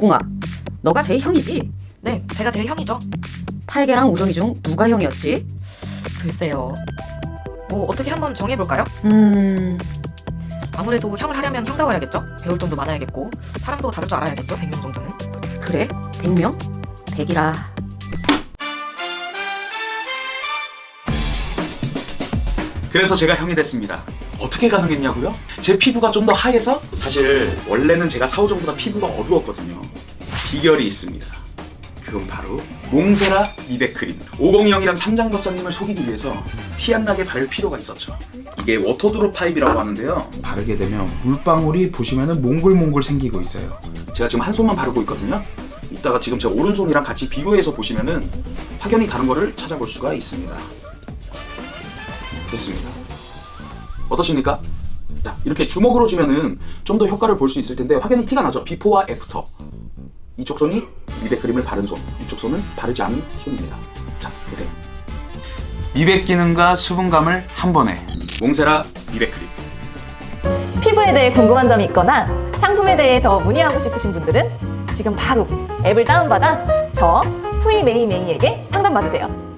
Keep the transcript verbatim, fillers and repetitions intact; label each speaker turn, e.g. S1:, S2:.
S1: 오공아, 너가 제일 형이지?
S2: 네, 제가 제일 형이죠.
S1: 팔개랑 우정이 중 누가 형이었지?
S2: 글쎄요. 뭐 어떻게 한번 정해볼까요?
S1: 음...
S2: 아무래도 형을 하려면 형다워야겠죠? 배울 점도 많아야겠고 사람도 다룰 줄 알아야겠죠? 백 명 정도는.
S1: 그래? 백 명? 백이라...
S3: 그래서 제가 형이 됐습니다. 어떻게 가능했냐고요? 제 피부가 좀 더 하얘서? 사실 원래는 제가 사오정보다 피부가 어두웠거든요. 비결이 있습니다. 그건 바로 몽세라 미백 크림. 오공형이랑 삼장법사님을 속이기 위해서 티 안 나게 바를 필요가 있었죠. 이게 워터드롭 타입이라고 하는데요. 바르게 되면 물방울이 보시면은 몽글몽글 생기고 있어요. 제가 지금 한 손만 바르고 있거든요. 이따가 지금 제 오른손이랑 같이 비교해서 보시면은 확연히 다른 거를 찾아볼 수가 있습니다. 됐습니다. 어떠십니까? 자, 이렇게 주먹으로 쥐면은 좀 더 효과를 볼 수 있을 텐데 확연히 티가 나죠? 비포와 애프터. 이쪽 손이 미백 크림을 바른 손, 이쪽 손은 바르지 않은 손입니다. 자, 보세요. 미백 기능과 수분감을 한 번에. 몽세라 미백 크림.
S4: 피부에 대해 궁금한 점이 있거나 상품에 대해 더 문의하고 싶으신 분들은 지금 바로 앱을 다운받아 저 푸이메이메이에게 상담받으세요.